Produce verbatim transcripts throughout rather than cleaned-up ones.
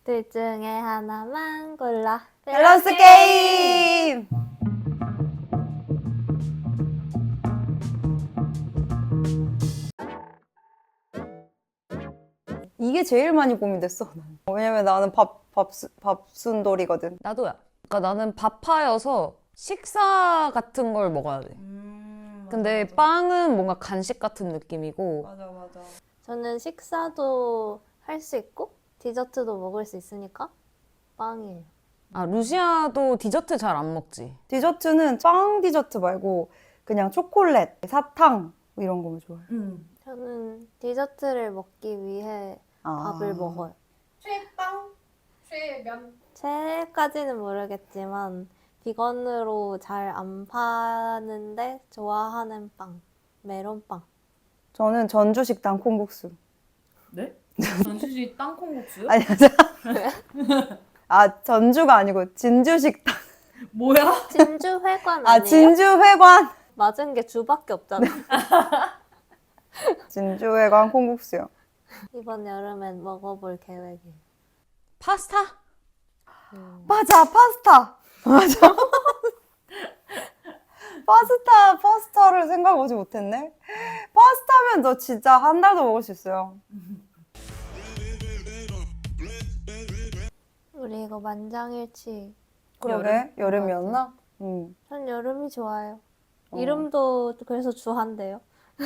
둘 중에 하나만 골라. 밸런스 게임! 이게 제일 많이 고민됐어. 나는. 왜냐면 나는 밥, 밥, 밥순돌이거든. 나도야. 그러니까 나는 밥파여서 식사 같은 걸 먹어야 돼. 음, 근데 맞아, 맞아. 빵은 뭔가 간식 같은 느낌이고. 맞아, 맞아. 저는 식사도 할 수 있고 디저트도 먹을 수 있으니까 빵이에요. 아, 루시아도 디저트 잘 안 먹지. 디저트는 빵 디저트 말고 그냥 초콜릿, 사탕 뭐 이런 거면 좋아해. 음. 저는 디저트를 먹기 위해 아. 밥을 먹어요. 최빵, 최면. 최까지는 모르겠지만 비건으로 잘 안 파는데 좋아하는 빵, 메론빵. 저는 전주식당 콩국수. 네? 전주시 땅콩국수요? 아니, 맞아. 아, 전주가 아니고 진주식당. 뭐야? 진주 회관 아, 아니에요? 진주회관. 맞은 게 주밖에 없잖아. 진주회관 콩국수요. 이번 여름엔 먹어볼 계획이에요. 파스타? 음. 맞아, 파스타. 맞아. 파스타, 파스타를 생각하지 못했네. 파스타면 너 진짜 한 달도 먹을 수 있어요. 우리 이거 만장일치. 그러게, 여름? 여름이었나? 응. 전 여름이 좋아요. 어. 이름도 그래서 주한데요.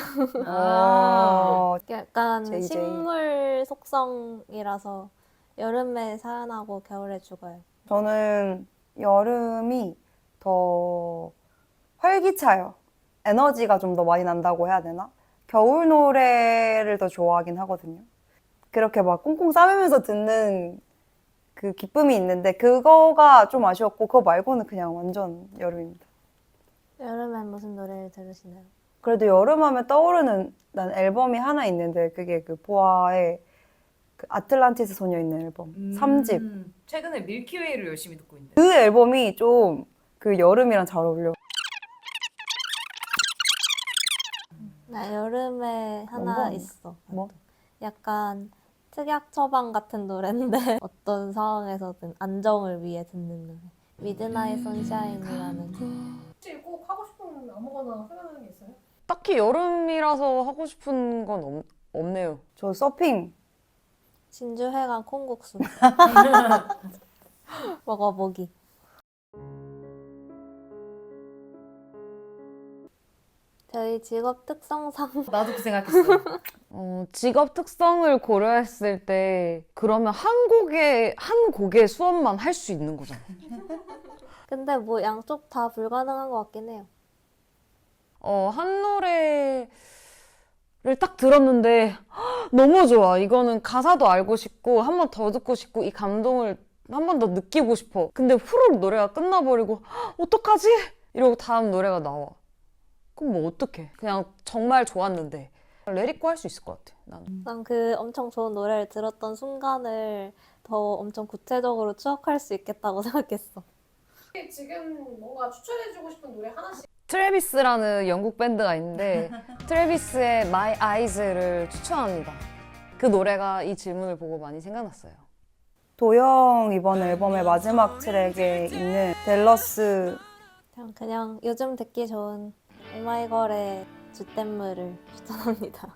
어, 약간 제이제이. 식물 속성이라서 여름에 살아나고 겨울에 죽어요. 저는 여름이 더 활기차요. 에너지가 좀 더 많이 난다고 해야 되나? 겨울 노래를 더 좋아하긴 하거든요. 그렇게 막 꽁꽁 싸매면서 듣는 그 기쁨이 있는데 그거가 좀 아쉬웠고 그거 말고는 그냥 완전 여름입니다. 여름엔 무슨 노래를 들으시나요? 그래도 여름하면 떠오르는 난 앨범이 하나 있는데 그게 그 보아의 그 아틀란티스 소녀 있는 앨범 음. 삼 집. 최근에 밀키웨이를 열심히 듣고 있는데. 그 앨범이 좀 그 여름이랑 잘 어울려. 나 여름에 하나 뭔가? 있어. 뭐? 약간 특약 처방 같은 노래인데 어떤 상황에서든 안정을 위해 듣는 노래. 미드나잇 선샤인이라는 혹시 꼭 하고 싶은 아무거나 생각나는 게 있어요? 딱히 여름이라서 하고 싶은 건 없, 없네요. 저 서핑. 진주회관 콩국수 먹어보기. 저희 직업 특성상 나도 그 생각했어. 어, 직업 특성을 고려했을 때 그러면 한 곡의 한 곡의 수업만 할 수 있는 거잖아. 근데 뭐 양쪽 다 불가능한 것 같긴 해요. 어, 한 노래를 딱 들었는데 헉, 너무 좋아. 이거는 가사도 알고 싶고 한 번 더 듣고 싶고 이 감동을 한 번 더 느끼고 싶어. 근데 후루룩 노래가 끝나버리고 헉, 어떡하지? 이러고 다음 노래가 나와. 그럼 뭐 어떡해. 그냥 정말 좋았는데 레리코 할 수 있을 것 같아. 나는. 난 그 엄청 좋은 노래를 들었던 순간을 더 엄청 구체적으로 추억할 수 있겠다고 생각했어. 지금 뭔가 추천해주고 싶은 노래 하나씩. 트래비스라는 영국 밴드가 있는데 트래비스의 My Eyes를 추천합니다. 그 노래가 이 질문을 보고 많이 생각났어요. 도영 이번 앨범의 마지막 트랙에 있는 델러스. 그냥, 그냥 요즘 듣기 좋은 오마이걸의 주댐물을 추천합니다.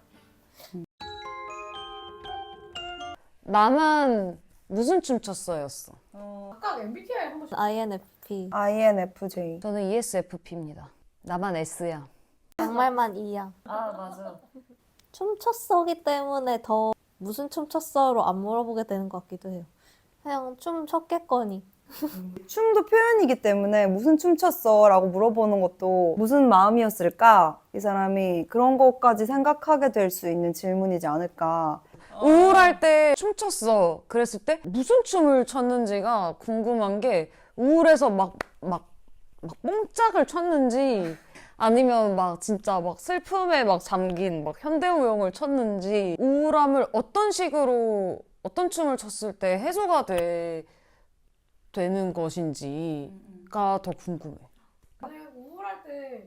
나만 무슨 춤 췄어였어. 각각 엠비티아이 한 번씩. 아이엔에프피 아이엔에프제이. 저는 이에스에프피입니다. 나만 S야. 양말만 이야. 아 맞아. 춤췄어기 때문에 더 무슨 춤췄어로 안 물어보게 되는 것 같기도 해요. 그냥 춤 췄겠거니. 춤도 표현이기 때문에 무슨 춤 췄어? 라고 물어보는 것도 무슨 마음이었을까? 이 사람이 그런 것까지 생각하게 될 수 있는 질문이지 않을까. 우울할 때 춤췄어. 그랬을 때 무슨 춤을 췄는지가 궁금한 게 우울해서 막, 막, 막 뽕짝을 췄는지 아니면 막 진짜 막 슬픔에 막 잠긴 막 현대무용을 췄는지 우울함을 어떤 식으로 어떤 춤을 췄을 때 해소가 돼, 되는 것인지가 더 궁금해. 만약에 우울할 때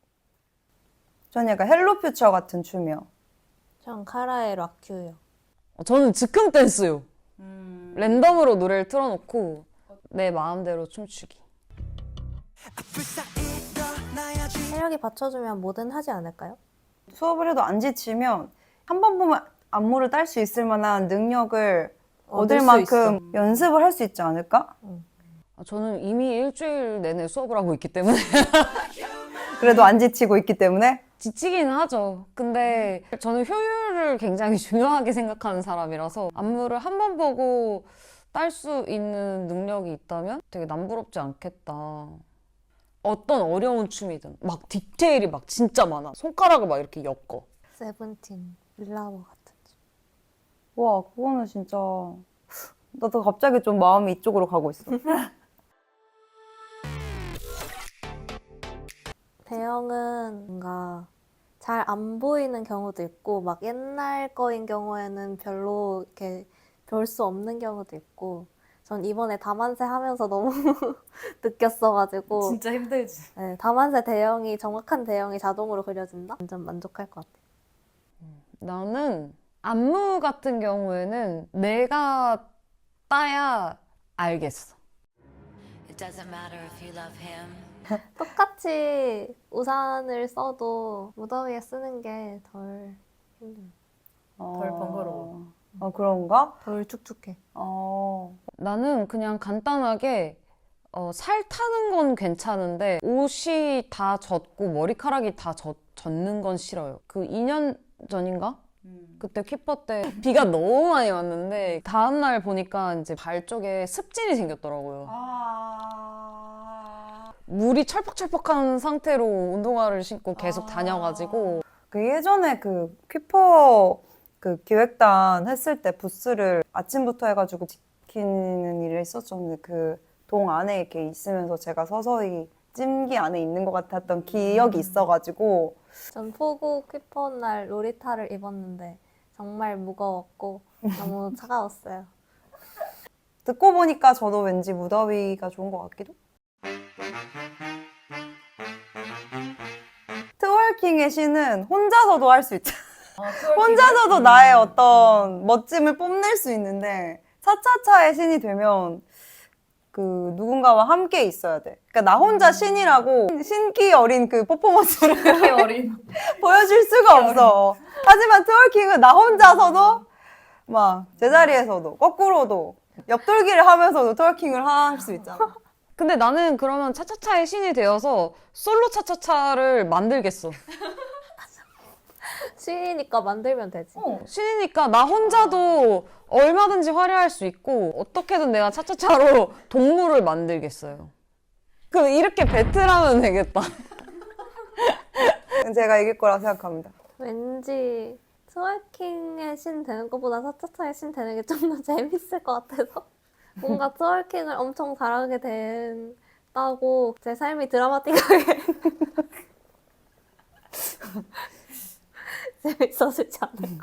저는 약간 헬로 퓨처 같은 춤이요. 전 카라의 락큐요. 저는 즉흥 댄스요. 랜덤으로 노래를 틀어놓고 내 마음대로 춤추기. 체력이 받쳐주면 뭐든 하지 않을까요? 수업을 해도 안 지치면 한 번 보면 안무를 딸 수 있을 만한 능력을 얻을 얻을 수 만큼 연습을 할 수 있지 않을까? 아, 저는 이미 일주일 내내 수업을 하고 있기 때문에 그래도 안 지치고 있기 때문에 지치긴 하죠. 근데 저는 효율을 굉장히 중요하게 생각하는 사람이라서 안무를 한 번 보고 딸 수 있는 능력이 있다면 되게 남부럽지 않겠다. 어떤 어려운 춤이든 막 디테일이 막 진짜 많아. 손가락을 막 이렇게 엮어. 세븐틴, 밀라버 같은 춤. 와, 그거는 진짜 나도 갑자기 좀 마음이 이쪽으로 가고 있어. 대형은 뭔가 잘 안 보이는 경우도 있고 막 옛날 거인 경우에는 별로 이렇게 볼 수 없는 경우도 있고 전 이번에 다만세 하면서 너무 느꼈어가지고 진짜 힘들지. 네, 다만세 대형이 정확한 대형이 자동으로 그려진다? 완전 만족할 것 같아요. 나는 안무 같은 경우에는 내가 따야 알겠어. It doesn't matter if you love him. 똑같이 우산을 써도 무더위에 쓰는 게 덜 힘들어. 덜 번거로워. 어, 그런가? 덜 축축해. 어. 나는 그냥 간단하게 어, 살 타는 건 괜찮은데 옷이 다 젖고 머리카락이 다 젖, 젖는 건 싫어요. 그 이 년 전인가? 그때 퀴퍼 때 비가 너무 많이 왔는데 다음날 보니까 이제 발 쪽에 습진이 생겼더라고요. 아... 물이 철퍽철퍽한 상태로 운동화를 신고 계속 다녀가지고 그 예전에 그 퀴퍼 그 기획단 했을 때 부스를 아침부터 해가지고 지키는 일을 했었었는데 그 동 안에 이렇게 있으면서 제가 서서히 찜기 안에 있는 것 같았던 기억이 있어가지고 전 포구 퀴퍼 날 로리타를 입었는데 정말 무거웠고 너무 차가웠어요. 듣고 보니까 저도 왠지 무더위가 좋은 것 같기도. 트월킹의 신은 혼자서도 할 수 있잖아. 혼자서도 나의 어떤 멋짐을 뽐낼 수 있는데 차차차의 신이 되면 그 누군가와 함께 있어야 돼. 그러니까 나 혼자 신이라고 신기 어린 그 퍼포먼스를 어린. 보여줄 수가 없어. 하지만 트월킹은 나 혼자서도 막 제자리에서도 거꾸로도 옆돌기를 하면서도 트월킹을 할 수 있잖아. 근데 나는 그러면 차차차의 신이 되어서 솔로 차차차를 만들겠어. 신이니까 만들면 되지. 신이니까 나 혼자도 얼마든지 화려할 수 있고 어떻게든 내가 차차차로 동물을 만들겠어요. 그럼 이렇게 배틀하면 되겠다. 제가 이길 거라 생각합니다. 왠지 트월킹의 신 되는 것보다 차차차의 신 되는 게 좀 더 재밌을 것 같아서 뭔가 트월킹을 엄청 잘하게 된다고 제 삶이 드라마틱하게 재밌어지지 않을까.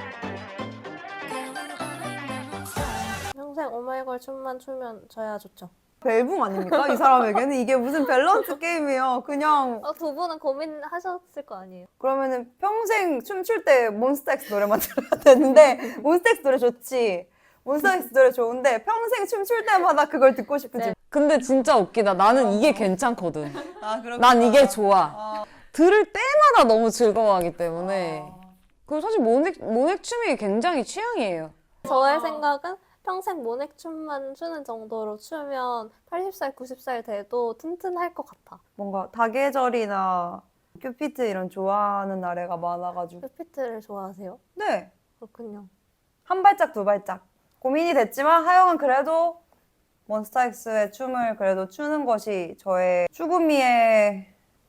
평생 오마이걸 춤만 추면 저야 좋죠. 벨붕 아닙니까? 이 사람에게는 이게 무슨 밸런스 게임이에요. 그냥 어, 두 분은 고민하셨을 거 아니에요? 그러면은 평생 춤출 때 몬스타엑스 노래만 들어야 되는데 몬스타엑스 노래 좋지. 몬스타엑스 노래 좋은데 평생 춤출 때마다 그걸 듣고 싶은지. 네. 근데 진짜 웃기다. 나는 이게 괜찮거든. 아, 난 이게 좋아. 들을 때마다 너무 즐거워하기 때문에. 그리고 사실 모넥, 모넥춤이 굉장히 취향이에요. 저의 생각은 평생 모넥춤만 추는 정도로 추면 팔십 살, 구십 살 돼도 튼튼할 것 같아. 뭔가 다계절이나 큐피트 이런 좋아하는 나래가 많아가지고. 큐피트를 좋아하세요? 네. 그렇군요. 한 발짝 두 발짝. 고민이 됐지만 하여간 그래도 몬스타엑스의 춤을 그래도 추는 것이 저의 추구미의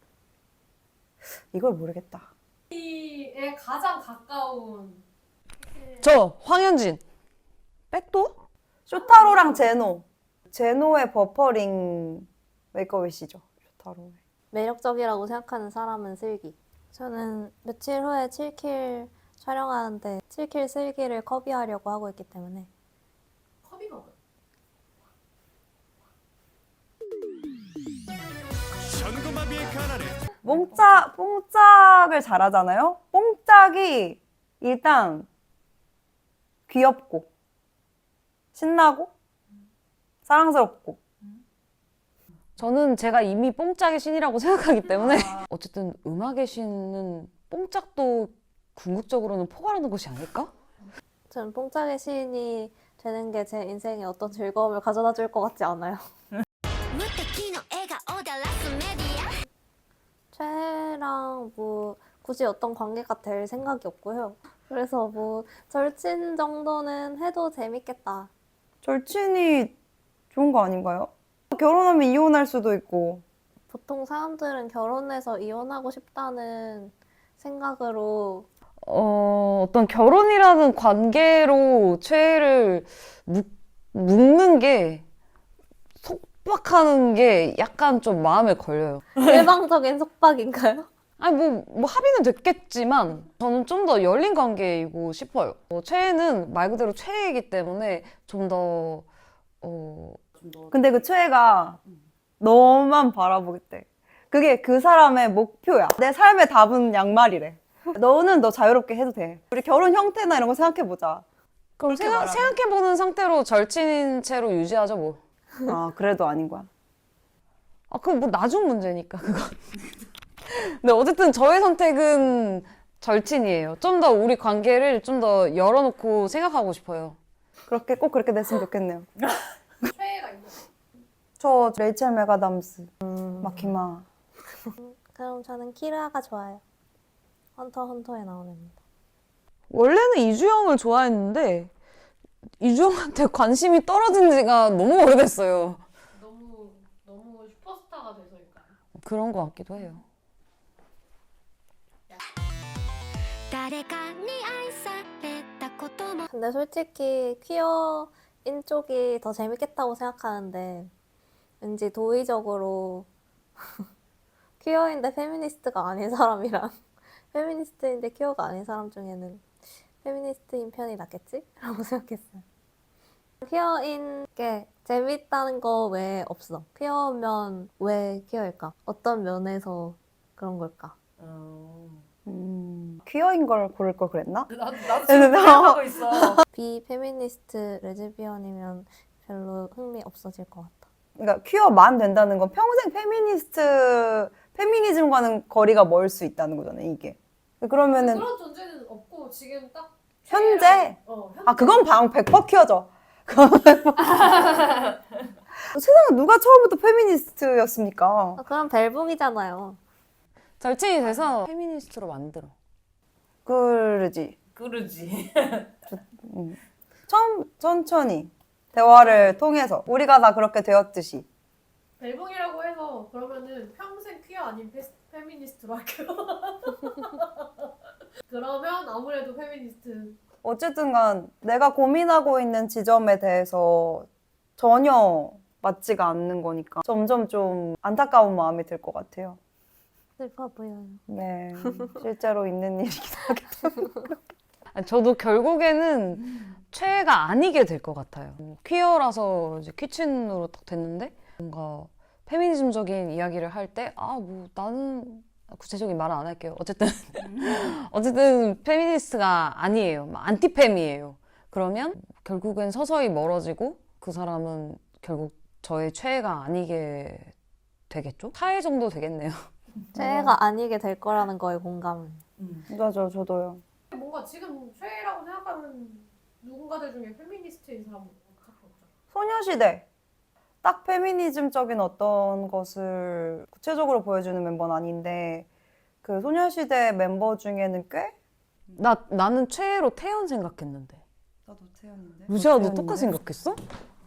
이걸 모르겠다. 에 가장 가까운 저 황현진. 백도? 쇼타로랑 제노. 제노의 버퍼링 메이크업이시죠. 쇼타로의. 매력적이라고 생각하는 사람은 슬기. 저는 며칠 후에 칠 킬 촬영하는데 칠 킬 슬기를 커비하려고 하고 있기 때문에 커비가 뭐야? 뽕짝, 뽕짝을 잘하잖아요? 뽕짝이 일단 귀엽고 신나고 사랑스럽고. 저는 제가 이미 뽕짝의 신이라고 생각하기 때문에 어쨌든 음악의 신은 뽕짝도 궁극적으로는 포괄하는 것이 아닐까? 저는 뽕짝의 시인이 되는 게 제 인생에 어떤 즐거움을 가져다 줄 것 같지 않아요. 최애랑 뭐 굳이 어떤 관계가 될 생각이 없고요. 그래서 뭐 절친 정도는 해도 재밌겠다. 절친이 좋은 거 아닌가요? 결혼하면 이혼할 수도 있고. 보통 사람들은 결혼해서 이혼하고 싶다는 생각으로 어, 어떤 결혼이라는 관계로 최애를 묶, 묶는 게 속박하는 게 약간 좀 마음에 걸려요. 일방적인 속박인가요? 아니 뭐, 뭐 합의는 됐겠지만 저는 좀 더 열린 관계이고 싶어요. 어, 최애는 말 그대로 최애이기 때문에 좀 더 어, 근데 그 최애가 너만 바라보겠대. 그게 그 사람의 목표야. 내 삶의 답은 양말이래. 너는 너 자유롭게 해도 돼. 우리 결혼 형태나 이런 거 생각해보자. 그럼 생각, 말하면. 생각해보는 상태로 절친인 채로 유지하죠 뭐. 아, 그래도 아닌 거야. 아, 그건 뭐 나중 문제니까 그건. 근데 어쨌든 저의 선택은 절친이에요. 좀 더 우리 관계를 좀 더 열어놓고 생각하고 싶어요. 그렇게 꼭 그렇게 됐으면 좋겠네요. 최애가 있는 저 레이첼 메가담스, 마키마. 그럼 저는 키르아가 좋아요. 헌터 헌터에 나오는 애입니다. 원래는 이주영을 좋아했는데 이주영한테 관심이 떨어진 지가 너무 오래됐어요. 너무 너무 슈퍼스타가 돼서일까요? 그런 것 같기도 해요. 근데 솔직히 퀴어인 쪽이 더 재밌겠다고 생각하는데 왠지 도의적으로 퀴어인데 페미니스트가 아닌 사람이랑 페미니스트인데 퀴어가 아닌 사람 중에는 페미니스트인 편이 낫겠지? 라고 생각했어요. 퀴어인 게 재밌다는 거 외에 없어. 퀴어면 왜 퀴어일까? 어떤 면에서 그런 걸까? 음, 퀴어인 걸 고를 걸 그랬나? 나도 나도 지금 생각하고 있어. 비페미니스트 레즈비언이면 별로 흥미 없어질 것 같아. 그러니까 퀴어만 된다는 건 평생 페미니스트, 페미니즘과는 거리가 멀 수 있다는 거잖아요, 이게. 그러면은 그런 존재는 없고 지금 딱 현재? 최애랑- 어, 현재. 아, 그건 방 백 퍼센트 퀴어죠. 그건 백 퍼센트. 세상에 누가 처음부터 페미니스트였습니까? 아, 그럼 벨붕이잖아요. 절친이 돼서 페미니스트로 만들어. 그러지. 그러지. 음. 처음 천천히 대화를 통해서 우리가 다 그렇게 되었듯이. 벨붕이라고 해서 그러면은 평생 퀴어 아닌 페, 페미니스트로 할게요. 그러면 아무래도 페미니스트. 어쨌든 간 내가 고민하고 있는 지점에 대해서 전혀 맞지가 않는 거니까 점점 좀 안타까운 마음이 들 것 같아요. 슬퍼 보여요. 네, 실제로 있는 일이기도 하겠죠. 아니, 저도 결국에는 최애가 아니게 될 것 같아요. 퀴어라서 이제 퀴친으로 딱 됐는데 뭔가 페미니즘적인 이야기를 할 때 아, 뭐 나는 구체적인 말은 안 할게요. 어쨌든 어쨌든 페미니스트가 아니에요. 안티페미예요. 그러면 결국엔 서서히 멀어지고 그 사람은 결국 저의 최애가 아니게 되겠죠? 타애 정도 되겠네요. 최애가 아니게 될 거라는 거에 공감을. 맞아, 저도요. 뭔가 지금 최애라고 생각하는 누군가들 중에 페미니스트인 사람은 딱히 없잖아. 소녀시대. 딱 페미니즘적인 어떤 것을 구체적으로 보여주는 멤버는 아닌데 그 소녀시대 멤버 중에는 꽤? 나, 나는 최애로 태연 생각했는데. 나도 태연인데. 루시아 너 똑같이 생각했어?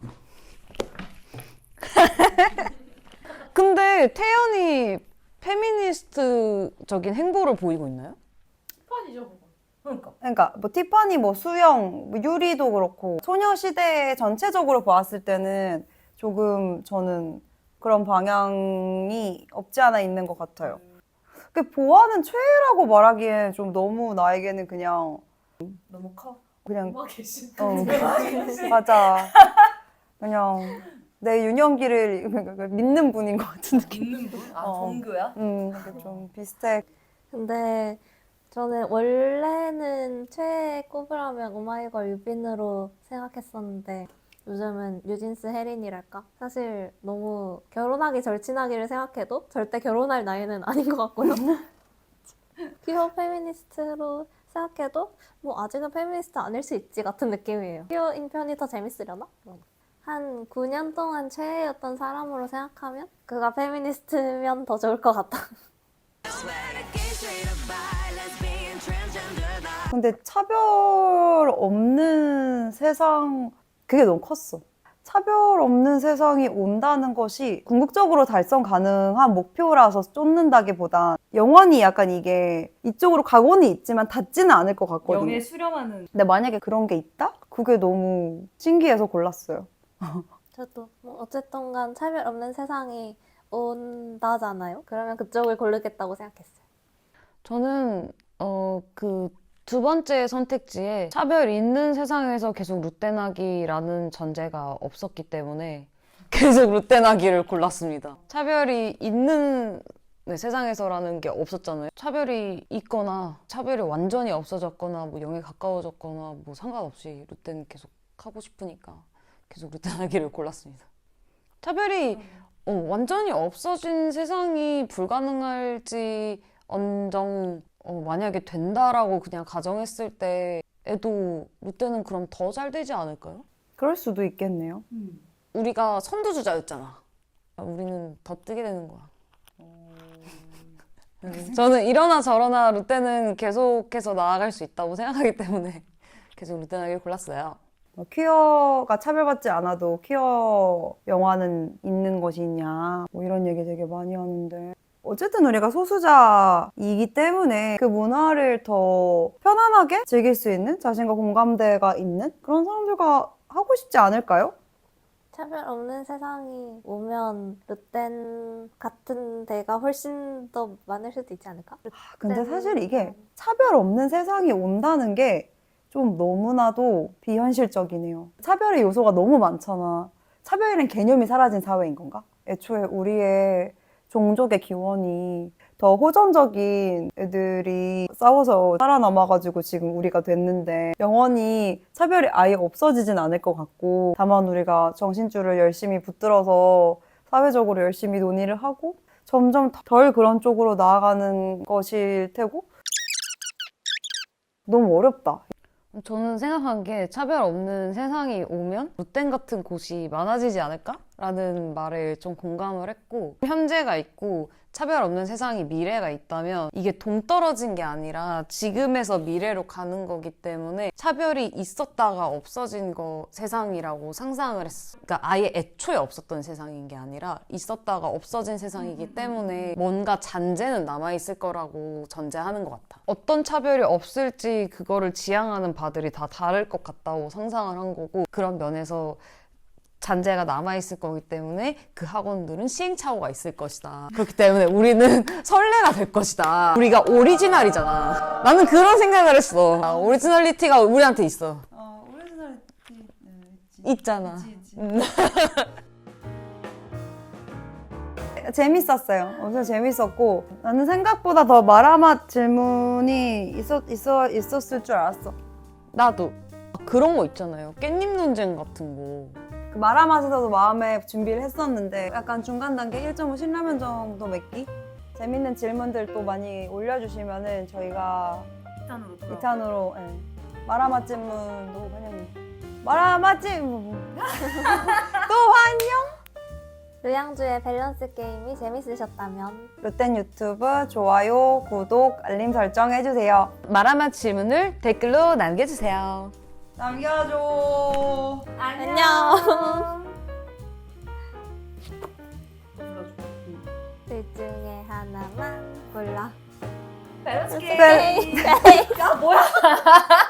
근데 태연이 페미니스트적인 행보를 보이고 있나요? 티파니죠, 그거. 그러니까. 그러니까 뭐 티파니, 뭐 수영, 뭐 유리도 그렇고 소녀시대 전체적으로 보았을 때는 조금 저는 그런 방향이 없지 않아 있는 것 같아요. 그 보아는 최애라고 말하기엔 좀 너무 나에게는 그냥 너무 커. 그냥 음악 계신. 어, 맞아. 그냥 내 유년기를 믿는 분인 것 같은 느낌. 있는 분? 아, 어. 종교야? 음, 이게 좀 비슷해. 근데 저는 원래는 최애 꼽으라면 오마이걸 유빈으로 생각했었는데 요즘은 뉴진스 혜린이랄까? 사실 너무 결혼하기 절친하기를 생각해도 절대 결혼할 나이는 아닌 것 같고요. 퀴어 페미니스트로 생각해도 뭐 아직은 페미니스트 아닐 수 있지 같은 느낌이에요. 퀴어인 편이 더 재밌으려나? 한 구 년 동안 최애였던 사람으로 생각하면 그가 페미니스트면 더 좋을 것 같다. 근데 차별 없는 세상, 그게 너무 컸어. 차별 없는 세상이 온다는 것이 궁극적으로 달성 가능한 목표라서 쫓는다기보단 영원히 약간 이게 이쪽으로 가고는 있지만 닿지는 않을 것 같거든요. 영에 수렴하는. 근데 만약에 그런 게 있다? 그게 너무 신기해서 골랐어요. 저도 뭐 어쨌든 간 차별 없는 세상이 온다잖아요. 그러면 그쪽을 고르겠다고 생각했어요. 저는 어 그 두 번째 선택지에 차별 있는 세상에서 계속 루떼나기라는 전제가 없었기 때문에 계속 루떼나기를 골랐습니다. 차별이 있는 네, 세상에서라는 게 없었잖아요. 차별이 있거나 차별이 완전히 없어졌거나 뭐 영에 가까워졌거나 뭐 상관없이 루떼는 계속 하고 싶으니까 계속 루떼나기를 골랐습니다. 차별이 어, 완전히 없어진 세상이 불가능할지 언정 어, 만약에 된다라고 그냥 가정했을 때에도 루떼는 그럼 더 잘 되지 않을까요? 그럴 수도 있겠네요. 우리가 선두주자였잖아. 우리는 더 뜨게 되는 거야. 음, 저는 이러나 저러나 루떼는 계속해서 나아갈 수 있다고 생각하기 때문에 계속 루떼나기를 골랐어요. 뭐 퀴어가 차별받지 않아도 퀴어 영화는 있는 것이냐 뭐 이런 얘기 되게 많이 하는데 어쨌든 우리가 소수자이기 때문에 그 문화를 더 편안하게 즐길 수 있는 자신과 공감대가 있는 그런 사람들과 하고 싶지 않을까요? 차별 없는 세상이 오면 르텐 같은 데가 훨씬 더 많을 수도 있지 않을까? 아, 근데 르텐- 사실 이게 차별 없는 세상이 온다는 게 좀 너무나도 비현실적이네요. 차별의 요소가 너무 많잖아. 차별이란 개념이 사라진 사회인 건가? 애초에 우리의 종족의 기원이 더 호전적인 애들이 싸워서 살아남아가지고 지금 우리가 됐는데 영원히 차별이 아예 없어지진 않을 것 같고 다만 우리가 정신줄을 열심히 붙들어서 사회적으로 열심히 논의를 하고 점점 덜 그런 쪽으로 나아가는 것일 테고 너무 어렵다. 저는 생각한 게 차별 없는 세상이 오면 루텐 같은 곳이 많아지지 않을까라는 말에 좀 공감을 했고 현재가 있고 차별 없는 세상이 미래가 있다면 이게 동떨어진 게 아니라 지금에서 미래로 가는 거기 때문에 차별이 있었다가 없어진 거 세상이라고 상상을 했어. 그러니까 아예 애초에 없었던 세상인 게 아니라 있었다가 없어진 세상이기 때문에 뭔가 잔재는 남아있을 거라고 전제하는 것 같아. 어떤 차별이 없을지 그거를 지향하는 바들이 다 다를 것 같다고 상상을 한 거고 그런 면에서 잔재가 남아있을 거기 때문에 그 학원들은 시행착오가 있을 것이다. 그렇기 때문에 우리는 선례가 될 것이다. 우리가 오리지널이잖아. 나는 그런 생각을 했어. 아, 오리지널리티가 우리한테 있어. 어, 오리지널 있잖아. 음. 재밌었어요. 엄청 재밌었고 나는 생각보다 더 마라맛 질문이 있었, 있어, 있었을 줄 알았어. 나도 그런 거 있잖아요. 깻잎 논쟁 같은 거. 그 마라맛에서도 마음에 준비를 했었는데 약간 중간 단계 일 점 오 신라면 정도 맺기? 재밌는 질문들 또 많이 올려주시면은 저희가 이 탄으로 돌아. 이 탄으로 예. 마라맛 질문도 환영해요. 마라맛 질문 또 환영! 류양주의 밸런스 게임이 재밌으셨다면 롯덴 유튜브 좋아요, 구독, 알림 설정 해주세요. 마라맛 질문을 댓글로 남겨주세요. 남겨줘. 안녕. 불러줘. 둘 중에 하나만 골라. 밸런스 네. 게임. 야 뭐야?